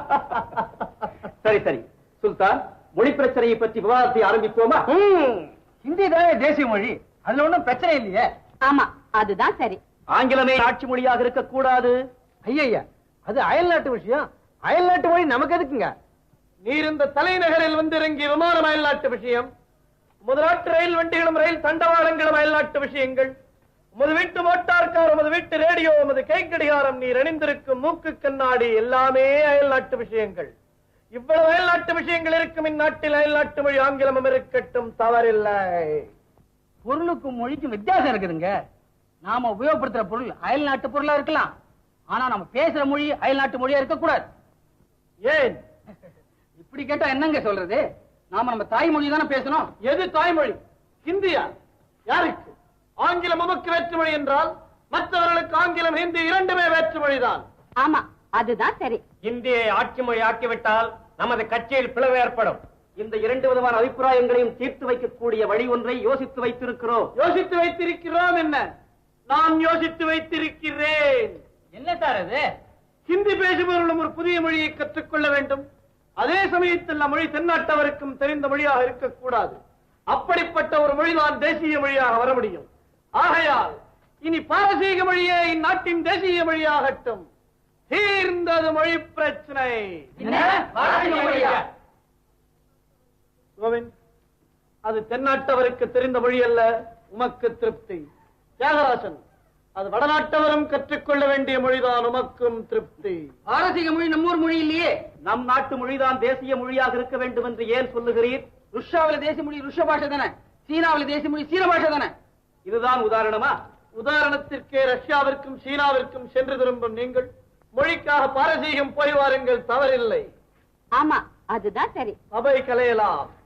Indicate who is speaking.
Speaker 1: சரி சரி சுல்தான், மொழி பிரச்சனையை பற்றி விவாதத்தை ஆரம்பிப்போமா?
Speaker 2: ஹிந்தி தானே தேசிய மொழி, அதுல ஒண்ணும் பிரச்சனை இல்லையே.
Speaker 3: ஆமா, அதுதான் சரி.
Speaker 1: ஆங்கிலமே ஆட்சி மொழியாக இருக்கக்கூடாது.
Speaker 2: ஐயா, அது அயல்நாட்டு விஷயம். அயல்நாட்டு மொழி நமக்கு எதுக்குங்க?
Speaker 4: நீர் இந்த தலைநகரில் வந்து இறங்கிய விமானம் அயல்நாட்டு விஷயம், முதலாட்டு ரயில் வண்டிகளும் ரயில் தண்டவாளங்களும் அயல்நாட்டு விஷயங்கள், உமது வீட்டு மோட்டார் கார், உமது வீட்டு ரேடியோ, உமது கை கடிகாரம், நீர் அணிந்திருக்கும் மூக்கு கண்ணாடி எல்லாமே அயல்நாட்டு விஷயங்கள். இவ்வளவு அயல்நாட்டு விஷயங்கள் இருக்கும் இந்நாட்டில் அயல்நாட்டு மொழி ஆங்கிலமும் இருக்கட்டும், தவறில்லை.
Speaker 2: பொருளுக்கும் மொழிக்கும் வித்தியாசம் இருக்குதுங்க. நாம உபயோகப்படுத்துற பொருள் அயல் நாட்டு பொருளா இருக்கலாம், ஆனா நம்ம பேசுற மொழி அயல் நாட்டு மொழியா இருக்கக்கூடாது.
Speaker 4: ஏன்
Speaker 2: இப்படி கேட்டா என்னங்க சொல்றது? நாம நம்ம தாய்மொழி தானே பேசணும்.
Speaker 4: எது தாய்மொழி? ஹிந்தியா? யாருக்கு? ஆங்கிலம் நமக்கு வேற்றுமொழி என்றால் மற்றவர்களுக்கு ஆங்கிலம், ஹிந்தி இரண்டுமே வேற்றுமொழிதான்.
Speaker 3: ஆமா, அதுதான் சரி.
Speaker 1: இந்தியை ஆட்சி மொழி ஆக்கிவிட்டால் நமது கட்சியில் பிளவு ஏற்படும். இந்த இரண்டு விதமான அபிப்பிராயங்களையும் தீர்த்து வைக்கக்கூடிய வழி ஒன்றை யோசித்து வைத்திருக்கிறோம்.
Speaker 4: யோசித்து வைத்திருக்கிறோம் என்ன? நான் யோசித்து வைத்திருக்கிறேன்.
Speaker 2: என்ன சார் அது?
Speaker 4: ஹிந்தி பேசுபவர்களும் ஒரு புதிய மொழியை கற்றுக்கொள்ள வேண்டும். அதே சமயத்தில் மொழி தென்னாட்டவருக்கும் தெரிந்த மொழியாக இருக்கக்கூடாது. அப்படிப்பட்ட ஒரு மொழிதான் தேசிய மொழியாக வர முடியும். ஆகையால் இனி பாரசீக மொழியே இந்நாட்டின் தேசிய மொழியாகட்டும். தீர்ந்தது மொழி பிரச்சனை. கோவிந்த், அது தென்னாட்டவருக்கு தெரிந்த மொழி அல்ல, உமக்கு திருப்தி. தியாகராசன், அது வடநாட்டவரும் கற்றுக்கொள்ள வேண்டிய மொழிதான், உமக்கும் திருப்தி.
Speaker 2: பாரசீக மொழி நம்மூர் மொழி இல்லையே.
Speaker 1: நம் நாட்டு மொழிதான் தேசிய மொழியாக இருக்க வேண்டும் என்று ஏன் சொல்லுகிறீர்?
Speaker 2: ருஷ்யாவில தேசிய மொழி ருஷ்ய பாஷை தானே, சீனாவில தேசிய மொழி சீன பாஷை தானே.
Speaker 1: இதுதான் உதாரணமா?
Speaker 4: உதாரணத்திற்கே ரஷ்யாவிற்கும் சீனாவிற்கும் சென்று திரும்பும் நீங்கள் மொழிக்காக பாரசீகம் போய் வாருங்கள், தவறில்லை.
Speaker 3: ஆமா, அதுதான் சரி.
Speaker 4: அவை கலையலாம்.